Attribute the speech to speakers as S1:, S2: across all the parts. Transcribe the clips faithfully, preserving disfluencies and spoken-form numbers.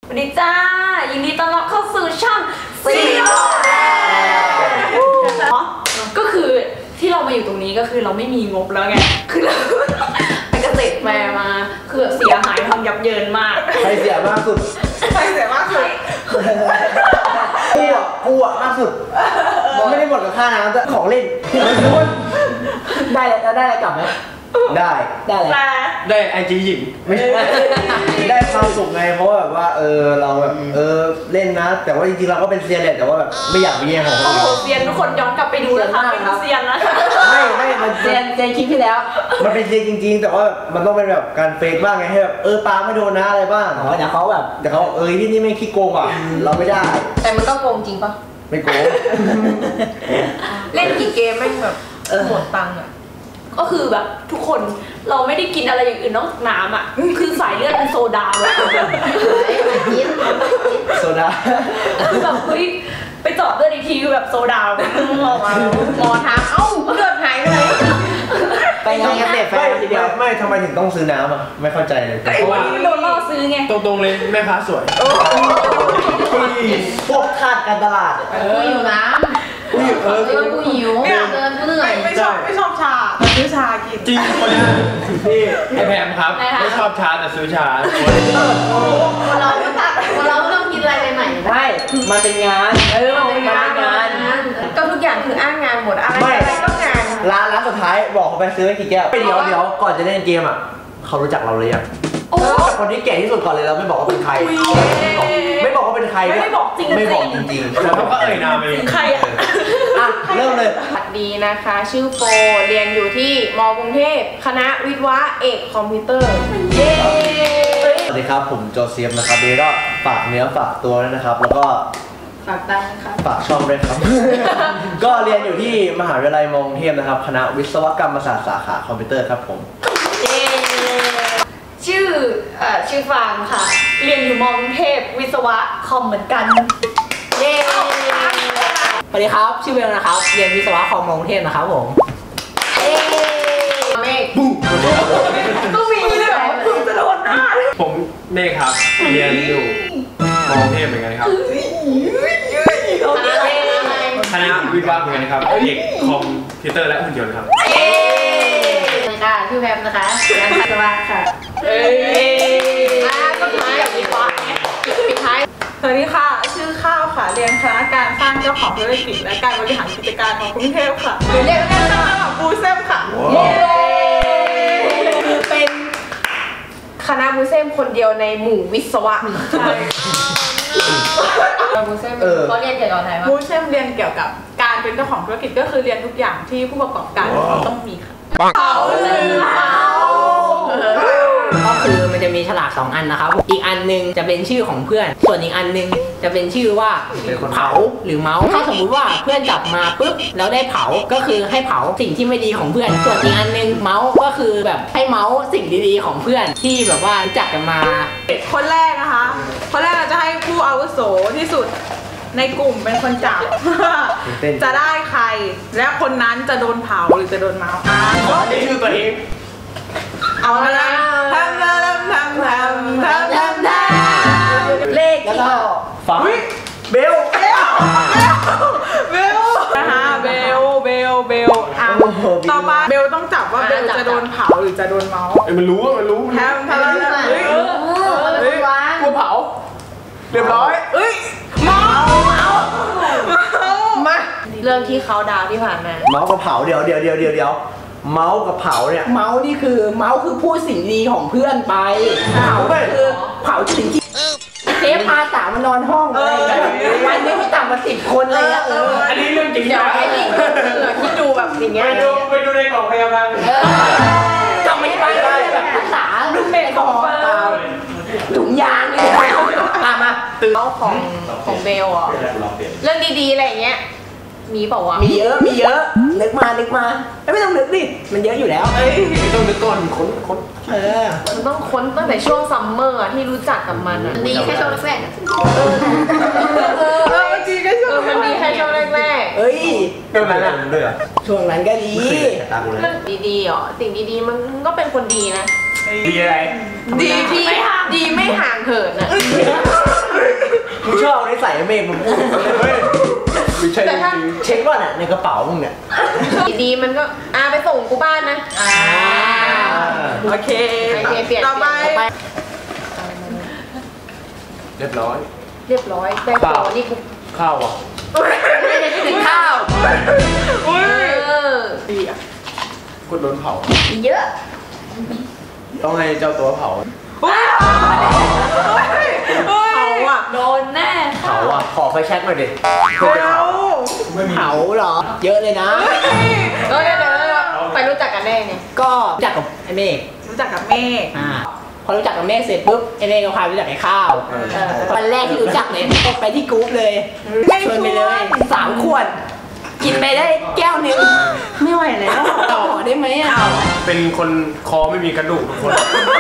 S1: สวัสดีจ้ายินดีต้อนรับเข้าสู่ช่องซีโร่ก็คือที่เรามาอยู่ตรงนี้ก็คือเราไม่มีงบแล้วไงคือเราไปเกษตรแฟร์มาคือเสียหายทำยับเยินมาก
S2: ใครเสียมากสุด
S3: ใครเสียมากสุด
S2: กูอ่ะกูอ่ะมากสุดไม่ได้หมดกับค่าน้ำแต่ของเล่นได้แล้วได้อะไรกลับไหมได้ได้อะไร
S4: ได้ไอจีหญิง
S2: ไม่ใช่ได้ความสุขไงเพราะแบบว่าเออเราแบบเออเล่นนะแต่ว่าจริงๆเราก็เป็นเซียนแหละแต่ว่าแบบไม่อยากไปแย่งของคนอื่น
S1: เซียนทุกคนย้อนกลับไปดูนะคะเป็นเซียนนะ
S2: ไม่ไม่มัน
S3: เซียนเซียนคลิปที่แล้ว
S2: มันเป็นเซียนจริงๆแต่ว่ามันต้องเป็นแบบการเฟกบ้างไงให้แบบเออปาไม่โดนนะอะไรบ้าง
S3: อ๋อเดี๋ยวเขาแบบ
S2: เดี๋ยวเขาเออที่นี่ไม่ขี้โกงอ่ะเราไม่ได้
S1: แต่มันก็โกงจริงปะ
S2: ไม่โกง
S1: เล่นกี่เกมไม่แบบหมดตังค์อ่ะก็คือแบบทุกคนเราไม่ได้กินอะไรอย่างอื่นนอกจากน้ำอ่ะคือสายเลือดเป็นโซดาเลย
S2: โซดา
S1: คือแบบเฮ้ยไปจอดเลือดอีกทีคือแบบโซดาออกมาหมอถามเอ้าเลือดหายไปไหน
S2: ไปงานเกษตรแฟร์ทีเดียวไม่ทำไมถึงต้องซื้อน้ำอ่ะไม่เข้าใจเลย
S1: เพราะว่าโดนล่อซื้อไง
S4: ตรงๆเลยแม่ค้าสวย
S2: พวกคาดการตลาด
S1: กูหิวน้ำกูหิวเออกูหิวเดินกูเหนื่อย
S3: ไม่ชอบไม่ชอบชาแต่ซื้อชากิน
S4: จริงคนนี้พี่ไอแพมครับไม่ชอบชาแต่ซื้อชา
S1: คนเราคนเราต้องกินอะไรใหม่
S2: ๆใช่มันเป็นงาน
S1: เออมันเป็นงานก็ทุกอย่างคืออ้างงานหมดอะไรอะไรก็งาน
S2: ร้านร้านสุดท้ายบอกเขาไปซื้อกี่แก้วเดี๋ยวเดี๋ยวก่อนจะเล่นเกมอ่ะเขารู้จักเราเลยอ่ะคนที่เก่งที่สุดก่อนเลยเราไม่บอกว่าเป็นใครไม่บอกว่าเป็นใคร
S1: ไม่บอกจริง
S2: ไม่บอกจริงๆ
S4: แล้วก็เอ่ยนามเลย
S1: ใครอ่ะ
S2: เริ่มเลย
S1: สวัสดีนะคะชื่อโฟเรียนอยู่ที่ม.กรุงเทพคณะวิศวะเอกคอมพิวเตอร์เย้
S2: สวัสดีครับผมโจเซฟนะครับเดี๋ยวก็ฝากเนื้อฝากตัวด้วยนะครับแล้วก็
S1: ฝากตังค์ครับ
S2: ฝากช่องด้วยครับก็เรียนอยู่ที่มหาวิทยาลัยม.กรุงเทพนะครับคณะวิศวกรรมศาสตร์สาขาคอมพิวเตอร์ครับผม
S1: ชื่อเอ่อชื่อฟางค่ะเรียนอยู่ม.กรุงเทพวิศวะคอมเหมือนกันเย้
S3: สวัสดีครับชื่อเบลนะครับเรียนวิศวะคอมม.กรุงเทพนะครับผม
S1: เอ๊เมฆต้องมีด้วยเหรอคุณจะโดนหน้า
S4: ผมเมฆครับเรียนอยู่ม.กรุงเทพเหมือนกันครับคณะวิศวะเหมือนกันครับเอกคอมพิวเตอร์และหุ่นยนต์ครับ
S1: ค่ะชื่อแพมนะคะเรียนวิศวะค่ะเอ้ยก็ท้ายแบบวิศวะเนี่ยปิดท้าย
S3: สวัสดีค่ะชื่อข้าวค่ะเรียนคณะการสร้างเจ้าของธุรกิจและการบริหารกิจการของกรุงเทพค่ะเรียนคณะแบบบูเซมค่ะ
S1: คือเป็นคณะบูเซมคนเดียวในหมู่วิศวะใช่บูเซมเขาเรียนเกี่ยวกับอะไรวะ
S3: บูเซมเรียนเกี่ยวกับการเป็นเจ้าของธุรกิจก็คือเรียนทุกอย่างที่ผู้ประกอบการต้องมีค่ะ
S1: เขาเลย
S3: ก็คือมันจะมีฉลากสองอันนะครับอีกอันนึงจะเป็นชื่อของเพื่อนส่วนอีกอันนึงจะเป็นชื่อว่าเผาหรือเมาส์ถ้าสมมุติว่าเพื่อนจับมาปุ๊บแล้วได้เผาก็คือให้เผาสิ่งที่ไม่ดีของเพื่อนส่วนอีกอันนึงเมาส์ก็คือแบบให้เมาส์สิ่งดีๆของเพื่อนที่แบบว่ารู้จักกันมาคนแรกนะคะคนแรกเราจะให้ผู้อาวุโสที่สุดในกลุ่มเป็นคนจับจะได้ใครและคนนั้นจะโดนเผาหรือจะโดนเมาส์อ่า
S4: นี่คือตัวเอง
S3: เอาละทำทำทำทำทำทำทำเลขที่
S2: ฟังเบลเบล
S3: เบลนะคะเบลเบลเบลอ่ะต่อมาเบลต้องจับว่าเบลจะโดนเผาหรือจะโดนเมาส์
S4: ไอ้มันรู้มันรู้
S3: ทำทำทำเฮ้ย
S4: เฮ้ยกูเผาเรียบร้อย
S3: เฮ้ยเมาเมา
S1: มาเรื่องที่เขาดาวที่ผ่านมา
S2: เมาส์กับเผาเดี๋ยวเดี๋ยวเดี๋ยวเดี๋ยวเดี๋ยวเมาส์กับเผาเนี่ย
S3: เมาส์นี่คือเมาส์คือพูดสิ่งดีของเพื่อนไปเผาคือเผาสิ่งที่เทปพาสาวมานอนห้องอะไรวันนี้ไม่ต่ำกว่าสิบคนเลยอ่ะ
S4: อันนี้เรื่องจริง
S1: จังคิดดูแบบอย่างเงี้ย
S4: ไปดูไปดูในกล่องพยาบาล
S3: ก็ไม่ได้แบบภาษาลูกเบลของถุงยางเลยมามา
S1: ตื่นเล่าของของเบลอ่ะเรื่องดีๆอะไรอย่างเงี้ยมีเปล่าวะ
S3: มีเยอะมีเยอะนึกมานึกมาไม่ต้องนึกดิมันเยอะอยู่แล้ว
S4: ไม่ต้องนึกก่อนค้นค้น
S3: เออ
S1: มันต้องค้นตั้งแต่ช่วงซัมเมอร์ที่รู้จักกับมันอ่ะดีแค่ช่วงแรกเออ
S3: เออมันดีแค่ช่วง
S1: มันดีแค่ช่วงแรก
S3: เฮ้ย
S2: ช่วงนั้นด้วย
S3: ช่วงนั้นก็ดี
S1: มันดีๆอ๋อสิ่งดีๆมันก็เป็นคนดีนะ
S4: ดีอะไร
S1: ดีที่ไม่ห่างดีไม่ห่างเหินอ่ะ
S2: มึงชอบเอานิสัยเมฆมึงพูดไม่ใช่จริงๆเช็คว่าเนี่ยในกระเป๋ามึงเนี่ย
S1: ดีมันก็อาไปส่งกูบ้านนะอ่า
S5: โอเค
S1: โอเคเปลี่ยน
S5: ต่อไป
S4: เรียบร้อย
S1: เรียบร้อยได้ต่อนี่กู
S4: ข้าวอ่ะ
S1: ไม่ได้ถึงข้าว
S5: อุ้ย
S1: เออ
S5: ดีอ่ะ
S4: กดโดนเผา
S1: เยอะ
S2: ต้องให้เจ้าตัวเผา
S5: อุ้ยเขาอ่ะ
S1: โดนแน่
S2: เผาอ่ะขอไฟแช็กหน่อยดิ
S5: เร็ว
S3: เผาเหรอ เยอะเลยนะ
S1: เออเดี๋ยวเดี๋ยวไปรู้จักกันได้ไง
S3: ก็รู้จักกับไอ้เมฆ
S5: รู้จักกับเมฆ
S3: อ่าพอรู้จักกับเมฆเสร็จปุ๊บไอ้เมฆก็พาไปรู้จักไอ้ข้าววันแรกที่รู้จักเลยก็ไปที่กรุ๊ปเลยชวนไปเลยสามขวด กินไปได้แก้วหนึงไม่ไหวแล้วต่อได้ไหมอ่ะ
S4: เป็นคนคอไม่มีกระดูกทุกคน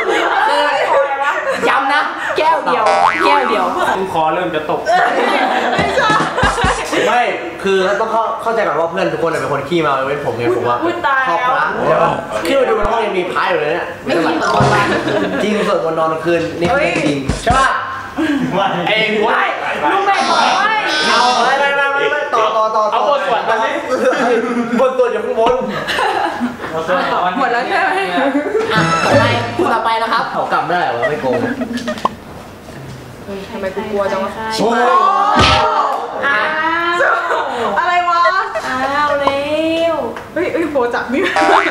S3: ย้ำนะแก้วเดียว แก้วเดียว
S4: ซึ่งคอเริ่มจะตก
S5: ไม่ใช่
S2: ไม่คือต้องเข้าเข้าใจก่อนว่าเพื่อนทุกคนเป็นคนขี้เมาเว้นผมไงผมว่า
S5: อุ้ยตาย
S2: ชอบ
S5: แล้ว
S2: พระใช่ป่ะขึ้นไปดูในห้องยังมีพระอยู่เลยเนี่ย
S3: ไม่กินตอนวัน
S2: จริงส่วนวันนอนกลางคืนนี่คือจริงใช่ป่ะ
S4: เองวะ
S1: ลูกแม่บอกว่า
S2: เอาไม่ไม่ไม่ไม่ไม่ต่อต่อต่อ
S4: เอาบทสวดมาสิ
S2: บทสวดอยู่ข้างบน
S5: หมดแล้วใช่ไหม
S3: อ่ะต่อไปคู่ต่อไปนะครับ
S2: เขากลับได้เหรอไม่โกง
S1: ทำไมกูกลัวจังวะ
S2: โอ้ย
S1: อ้าว
S5: อะไรวะ
S1: อ้าวเร็ว
S5: เฮ้ยเฮ้ยโบจับนี่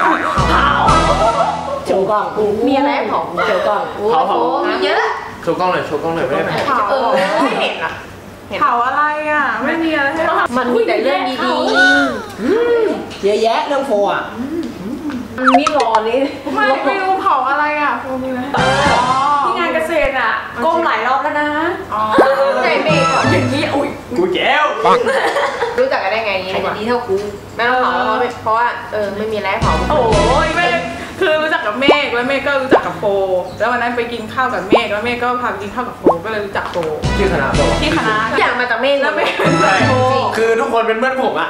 S3: โชว์กล้อง
S1: มีอะไรให้เผา
S3: โชว์กล้อง
S1: โอ้โหมีเยอะ
S4: โชว์กล้องหน่อยโชว์กล้องหน่อยไม่ได้เผา
S5: เผา
S1: เออไม่เห็นอ่ะ
S5: เผาอะไรอ่ะ ไม่มีอะไรให้เผา
S1: มันมีแต่เรื่องดี
S3: เยอะแยะเรื่องโฟอ่ะ
S1: ๆมันนี่รอนี่
S5: ไม่ไม่รู้เผาอะไรอ่ะโฟมีอะไรอ๋อ
S1: ที่งานเกษตรอ่ะก้มหลายรอบแล้วนะ
S5: อ๋อ
S1: ใจเมฆอย่างนี้อุ้ย
S4: กูแก้ว
S1: รู้จักกันได้ไงนี้ดีกว่าดีเท่ากูไม่ต้องเผาเพราะเพราะว่าเออไม่มีอะไรให้เผา
S5: โอ้ยเมฆคือรู้จักกับเมฆแล้วเมฆก็รู้จักกับโฟแล้ววันนั้นไปกินข้าวกับเมฆแล้วเมฆก็พาไปกินข้าวกับโฟก็เลยรู้จักโฟ
S2: ชื่อคณะบอก
S5: ที่คณะ
S1: อยากมาจากเมฆ
S5: แล้วเมฆ
S1: จริง
S4: คือทุกคนเป็นเพื่อนผมอ่ะ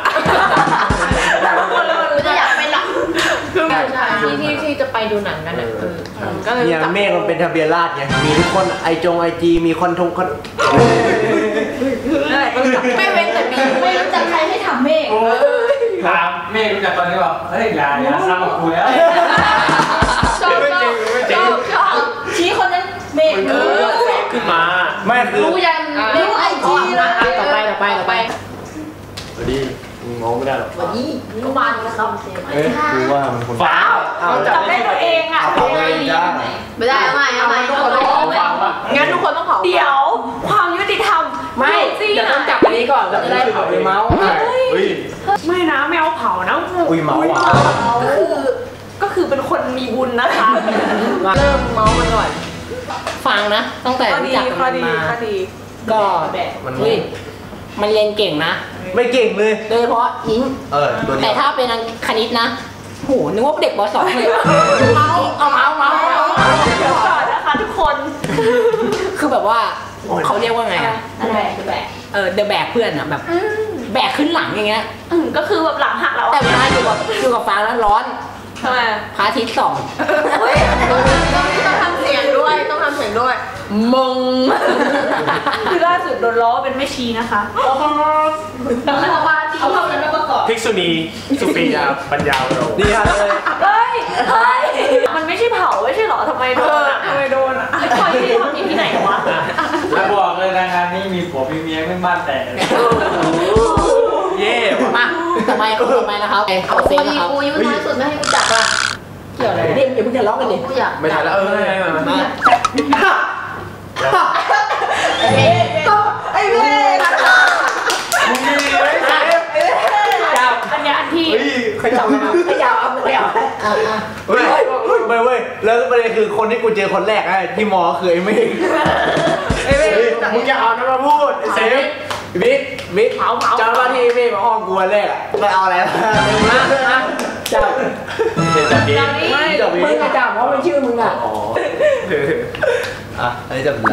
S1: กูจะอยากไปหลัง
S5: คือ
S1: ที่ที่ที่จะไปดูหนังกันอ่ะเออ
S5: ก็เลย
S2: เนี่ย
S5: รู้จัก
S2: เมฆมันเป็นทะเบียนราษฎร์ไงมีทุกคนไอจงไอจีมีคอนทงคอน
S5: นั่นแหละก็รู้จัก
S1: ไม่เว้นแต่มีไม่รู้จักใครให้ทำเมฆ
S6: ถามเมฆรู้จักตอนนี้บอกเฮ้ยอย่าอย่าทำกับกูแล้ว
S1: ชอบชอบชอบชอบชี้คนนั้นเมฆ
S4: มัน
S1: เอ
S4: คือ
S1: อ
S4: เฟซขึ้นมา
S2: ไม่คือ
S1: รู้ยันรู้ไอจีนะ
S3: ต่อไปต่อไปต่อไป
S4: สวัสดีมึงงงไม่ได้หรอก
S1: วันนี้ก็มาแล้วครับ
S2: เอ๊ะกูว่ามันคน
S4: ฟ้าว
S2: เอา
S1: จับได้ตัวเองอ่ะ
S2: เอาไปจ้า
S1: ไม่ได้เอาใหม่เอาใหม่ทุกคนต้องเผางั้นทุกคนต้องเผาเดี๋ยว ความยุติธรรม
S3: ไม่เดี๋ยวต้องจับอันนี้ก่อนเราจะได้เผาในเมาส์อ่ะ
S4: เฮ้ย
S1: ไม่นะแมวเผานะ
S2: อุ้ยเมาว่ะ
S1: ก็คือก็คือเป็นคนมีบุญนะคะ เริ่มเมามันก่อน
S3: ฟังนะตั้งแต่
S5: ข้อ
S3: รู้
S5: ดี
S3: จักกัน
S5: ข้อดี
S3: มา
S5: ข้อดี
S3: ก็เฮ้ยมันเรียนเก่งนะ
S2: ไม่เก่งเลย
S3: โดยเฉพาะอิง
S2: เออตัวเดี
S3: แต่
S2: ยว
S3: ถ้าเป็นคณิตนะโหนึกว่าเด็กปสองเลยเมาส์เอาเมาส์เมาส์เมาส์
S1: เดี๋ยวก่อนนะคะทุกคน
S3: คือแบบว่าเขาเรียกว่าไงอ่ะ
S1: แบกแบก
S3: เออเดอะแบกเพื่อนอ่ะแบบแบกขึ้นหลังอย่างเงี้ย
S1: ก็คือแบบหลังหักแล้ว
S3: แต่เวลาอยู่กับอยู่กับฟางแล้วร้อน
S1: ทำไม
S3: พระอาทิตย์ส่อง
S1: เฮ้ยต้องทำเสียงด้วยต้องทำเสียงด้วยมงคือล่าสุดโดนล้อเป็นแม่ชีนะคะเอาเข้าเอานั้นมาประกอบ
S4: ภิกษุณีสุปียาปัญญาเรา
S2: ดีฮะเลย
S1: เฮ้ยเฮ้ยมันไม่ใช่เผาไม่ใช่หรอทำไมโด
S5: เอน อ
S1: อ่ะ
S5: ทำไมโดนอ่ะ
S1: ไอ้คอยที่ทำอยู่ที่ไหนวะ
S6: แล้วบอกเลยนะงานนี้มีผัวมีเมียไม่บ้านแตก
S4: เย่ว่ะ
S3: มาต่อไปคนต่อไปนะครับเอาเซฟนะครับ
S1: กูอายุน้อยสุดไม่ให้กูจับอ่ะ
S3: เกี่ยวอะไรเด็กอย่าเพิ่งทะเลาะกันดิ
S1: กูอยาก
S4: ไม่ทันแล้วเออไม่ไม่ไม่
S3: มา
S5: ไอ้เมฆ
S4: มึงดีเลยเซฟ
S3: จับ
S1: อันนี้อันที่
S4: เฮ้ย
S3: ขยับมาขยับเอาขยับอ่ะอ่ะ
S2: เฮ้ยไม่เว้ยแล้วประเด็นคือคนที่กูเจอคนแรกไอ้ที่มอคือไอ้เมฆ
S5: ไอ้เมฆ
S2: เฮ้ยมึงอย่าเอานั้นมาพูดเซฟบิ๊กบิ๊ก
S1: เผาเผา
S2: จำว่าที่เมฆมาห้องกูวันแรกอะไม่เอาอะไรมาเร็วนะนะ
S3: จับ
S4: เซฟจับดี
S1: ตอนนี้
S2: ไม่จับ
S3: มึ
S2: บิ๊
S3: ง
S2: ก
S3: อะจับเพราะมันชื่อมึงอ่ะ
S4: อ๋อ
S2: อ่ะอันนี้จับแล้ว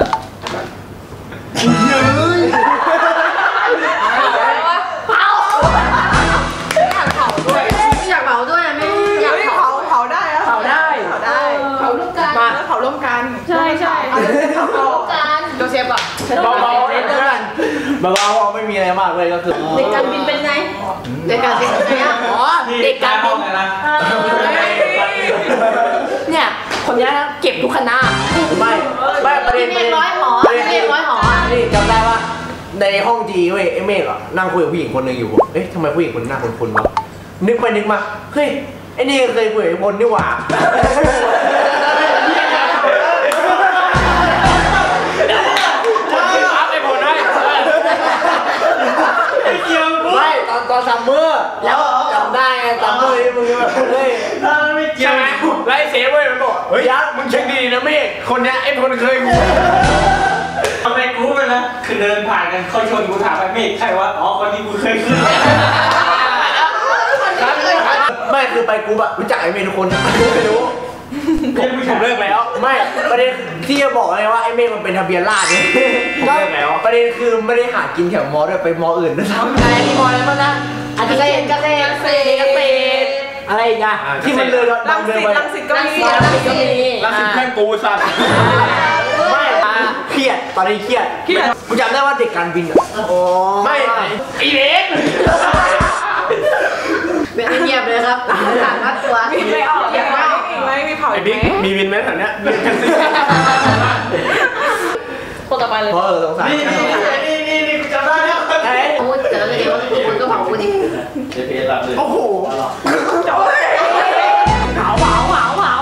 S1: เผาอยากเผาด้วยอยากเผาด้วยไม่อยาก
S5: เฮ้ย
S1: เผา
S5: เผาเผาได้แล้ว
S3: เผาได้
S5: เผาได้
S1: เผาลูกกัน
S3: มา
S2: มากเลยก็คือ
S1: เด็กการบินเป็นไงเด็กการบินเป็นไงอ่ะ
S3: อ๋อเด็กการบิน
S6: นะ
S3: เนี่ยคนนี้นะเก็บทุกคณะ
S2: ไม่ไม่ประเด็น
S1: เมฆร้อยหอเมฆร้อยหออ่ะ
S2: นี่จำได้ว่าในห้องจีเว้ยไอ้เมฆอ่ะนั่งคุยกับผู้หญิงคนหนึ่งอยู่เอ๊ะทำไมผู้หญิงคนนี้หน้าคุ้นๆวะนึกไปนึกมาเฮ้ยไอ้นี่เคยคุยกับไอ้พลนี่หว่าไม่ตอนตอนซัมเมอร์แล้วจำได้ไงซัมเมอร์นี่มึงแบบเฮ้ย
S6: ไม่เกี่ย
S4: ใช่
S6: ว
S4: ไหมไล่เซฟเว้ยมันบอกเฮ้ยยักษ์มึงเช็คดีๆนะเมฆคนเนี้ยไอ้คนเคยกู
S6: ทำไมกูไปนะคือเดินผ่านกันเขาชนกูถามไปเมฆใครวะอ๋อคนที่กูเคยขึ้น
S2: ไม่คือไปกูแบบรู้จักไอ้เมย์ทุกคนไม่รู้
S4: ผมผมเลิกแล้ว
S2: ไม่ประเด็นที่จะบอกเลยว่าไอ้เมฆมันเป็นทะเบียนราษฎร์เนี่ย
S4: ผมเลิกแล้ว
S2: ประเด็นคือไม่ได้หากินแถวมอด้วยไปมออื่นด้วยซ้ำ
S3: อะไรที่มออะไรบ้างนะอาจจะเกษตรเกษตรเกษตรเกษตรอะไรอีกอะ
S2: ที่มันเลย
S5: รั
S2: ดั
S5: ง
S2: งเล
S5: สิ
S2: ย
S5: ต
S2: ไป
S5: รังสิตก็มี
S3: รังสิตก็มี
S4: รังสิตแม่งกูสัตว์
S2: ไม่เครียดตอนนี้เครียด
S5: เครียด
S2: กูจำได้ว่าเด็กการบินอ่ะโอ้
S4: ไม่อีเล็ก
S1: เป็นเงียบเลยครับหลังวัดตัว
S5: มีไม่ออกอย่างไรอีกไหมมีเผา
S4: ไอ้
S5: อีก
S4: บิ๊ก
S5: ไหม
S4: มีวินไหมแถวเนี้ยเรียนกันสิ
S1: คนต่อไปเลย
S2: เพราะเออสงสัย
S6: นี่นี่นี่นี่กูจำได้แล้ว
S1: พูดแต่แล้วเดี๋ยวคุณก็เผาคุณดิ
S6: เจพีเอสรับเลย
S2: โอ้โห
S3: เผาเผาเผาเผา
S2: เผา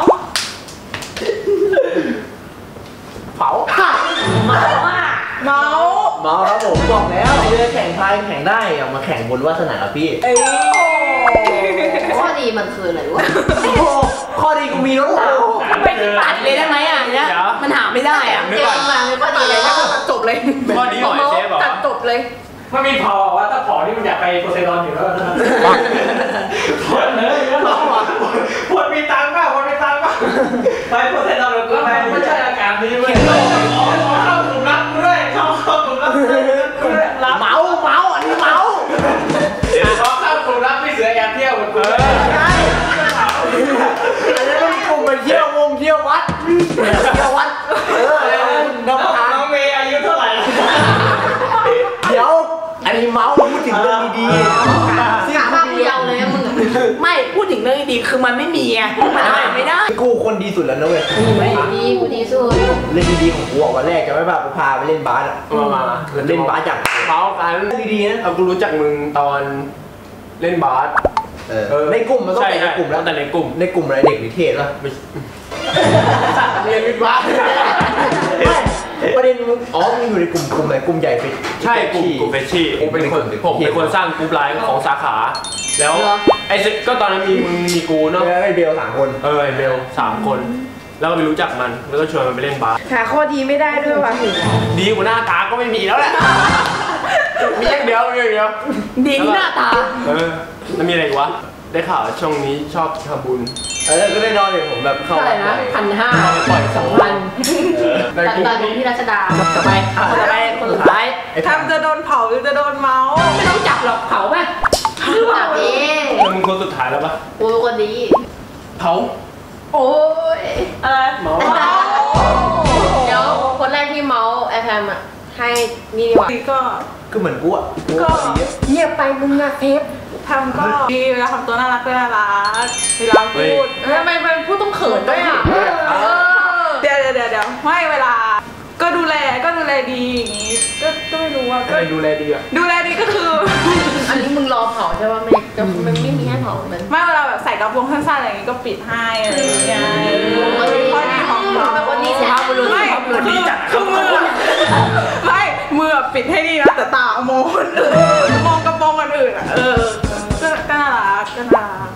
S3: เมาอ่ะ
S5: เมา
S2: เมาครับผมบอกแล้วเรือแข่งพายแข่งได้อย่ามาแข่งบนวาสนาพี่
S5: เอ้ย
S1: ข้อดีมันคืออะไรวะ
S2: โอ้โหข้อดีกูมีรถเรา
S3: ไปตัดเลยได้ไหมอ่ะเนี่ยมันหาไม่ได้อ่ะ
S1: เก่งมากเลยข้อดีเลยถ้าตัดจบเลย
S4: ข้อนี้หน่อยเซฟเหรอ
S1: ตัดจบเลย
S6: มันมีพอว่าถ้าพอที่มันอยากไปโพไซดอนอยู่แล้วพอเลยพอมีตังค์ป่ะพอมีตังค์ป่ะไปโพไซดอนเลยกูไปไม่ใช่อาการนี้เว้ยเข้าถุงรับด้วยเข้าเข้าถุงรับด้วยรับ
S2: เมาเมาอันนี้เมา
S6: พอเข้าถุงรับพี่เสือแอบเที่ยวเหมือนกู
S2: ใช่อันนี้ต้องกลุ่มไปเที่ยววงเที่ยววัดเที่ยววัดเออน้ำทาง
S6: น้องเมย์อายุเท่าไหร่
S2: เดี๋ยวอันนี้เมาพูดถึงเรื่องดีๆ
S1: หาภาพผู้เยาว์เลยมึง
S3: ไม่พูดถึงเรื่องดีๆคือมันไม่มีไงมันหาไม่ได้
S2: กูคนดีสุดแล้วนะเว้ย
S1: ดีกูดีสุด
S2: เล่นดีๆของกูออกวันแรกจะไม่แบบพาไปเล่นบาสอ่ะ
S4: มามา
S2: เล่นบาสจาก
S4: เมากัน
S2: ดีๆนะ
S4: เอากูรู้จักมึงตอนเล่นบาส
S2: เออในกลุ่มมันต้อง
S4: ใช่
S2: เป็นใน
S4: ใช่
S2: กลุ่มแล้ว
S4: แต่ในกลุ่ม
S2: ในกลุ่มอะไรเด็กนิเทศป่ะ
S4: ไม่
S2: เรียนวิทย์บาสไม่ประเด็นมึงอ๋อมึงอยู่ในกลุ่มกลุ่มไหนกลุ่มใหญ่เป็น
S4: ใช่กลุ่มกลุ่มเฟชชี่ผมเป็นคนผมเป็นคนสร้างกลุ่มไลน์ของสาขา แล้วไอ้เซก็ตอนนั้นมีมึงมีกูเนาะ
S2: ไอ้เบลสามคน
S4: เออไอ้เบลสามคน แล้วก็ไปรู้จักมันแล้วก็ชวนมันไปเล่นบาส
S5: หาข้อดีไม่ได้ด้วยว่ะ
S4: ดีกว่าหน้าตาก็ไม่มีแล้วแหละมีอย่างเดียวมีอย่างเดียว
S3: ดีที่หน้าตา
S4: เออแล้วมีอะไรอีกวะได้ข่าวช่วงนี้ชอบทำบุญ
S2: เออก็ได้นอนเลยผมแบบเข้า
S3: เท่าไหร่นะพันห้าสองพัน
S4: ได้
S1: ตัด
S4: กู
S1: ต่อตรงที่รัชดา
S3: ต่อไปคนต่อไปคนสุดท้าย
S5: ทำจะโดนเผาหรือจะโดนเมา
S3: ไม่ต้องจับหรอกเผาป่ะ
S1: ตัดเอง
S4: แล้วมึงคนสุดท้ายแล้วปะ
S1: กูเป็นคนดี
S4: เผา
S1: โอ้ย
S5: อะไร
S4: เมา
S1: เดี๋ยวคนแรกที่เมาส์ไอแพมอ่ะให้นี่ดีกว่า
S5: ดีก็
S2: ก็เหมือนกูอ่ะกู
S5: ก็
S2: ดีอะ
S1: เงียบไปมึงอะเทป
S5: ทำก็ดีเวลาทำตัวน่ารักก็น่ารักเวลาพูด
S1: ทำไมเป็นผู้ต้องเขินด้วยอ่ะเออ
S5: เดี๋ยวเดี๋ยวเดี๋ยวเดี๋ยวไม่เวลา ก็ดูแลก็ดูแลดีอย่างงี้ก็ก็ไม่รู้ว่าก็
S4: ใครดูแลดีอ่ะ
S5: ดูแลดีก็คือ
S1: อันนี้มึงรอเผาใช่ป่ะไม่จะมันไม่มีให้เผาเหมือน
S5: ไม่เวลาแบบใส่กระโปรงสั้นๆอะไรอย่างงี้ก็ปิดให้อะไรอย่างเงี้ยมันเป็นข้อดีของเรา
S1: เป็นคนดีสุภาพบุรุษ
S5: ไม่คือคือมือไม่มือปิดให้ดีนะแต่ตามองคนอื่นมองกระโปรงคนอื่นอ่ะเออก็ก็น่ารักก็น่ารัก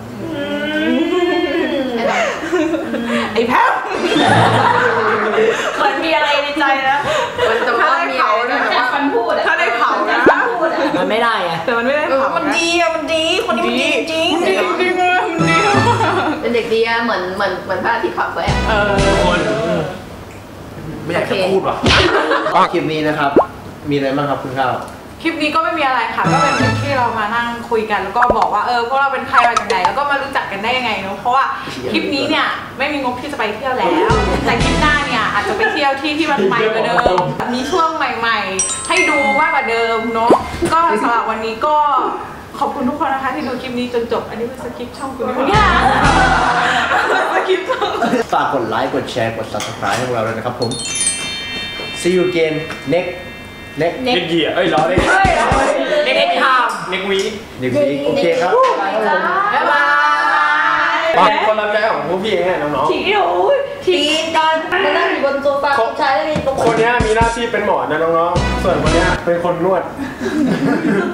S5: ไอ้แพ้วมันมีอะไรในใจนะ
S1: มันจะว่ามีอะไรนะแต่ว่า
S5: ถ้าได้เผานะ
S3: มันไม่ได้ไง
S5: แต่มันไม่ได้เผามันดีอะมันดีคนนี้มันดีจริงจริงจริงเลยมันดี
S1: เป็นเด็กดีอะเหมือนเหมือนเหมือนพระอาทิตย์ขับไว้อะ
S5: เออ
S4: ทุกคนไม่อยากจะพูดว่ะ
S2: คลิปนี้นะครับ มีอะไรบ้างครับคุณข้าว
S5: คลิปนี้ก็ไม่มีอะไรค่ะ ก็เป็นคลิปที่เรามานั่งคุยกันแล้วก็บอกว่าเออพวกเราเป็นใครมาจากไหนแล้วก็มารู้จักกันได้ยังไงเนาะเพราะว่าคลิปนี้เนี่ยไม่มีงบที่จะไปเที่ยวแล้ว แต่คลิปหน้าเนี่ยอาจจะไปเที่ยวที่ที่มันใหม่กว่าเดิมมีช่วงใหม่ๆ ให้ดูมากกว่าเดิมเนาะก็สำหรับวันนี้ก็ขอบคุณทุกคนนะคะที่ดูคลิปนี้จนจบอันนี้เป็นสคริปต์ช่องคุณเนี่ยสคริปต์ช่อง
S2: ฝากกดไลค์กดแชร์กด subscribe ให้พวกเราด้วยนะครับผม see you again next next
S4: เน็กเหยียเอ้ยล้อเล่น
S3: เด็กๆท
S4: เน็กวี
S2: next week โอเคครับ
S3: ำบ๊ายบาย
S4: คนรับใช้ของพวกพี่เองเนี่ยน้อง
S1: ทีโอ้ยทีกันมานั่งอยู่บนโซฟาผู้ชายแล้วมีตรง
S4: ๆคนเนี้ยมีหน้าที่เป็นหมอนะน้องๆส่วนคนเนี้ยเป็นคนนวด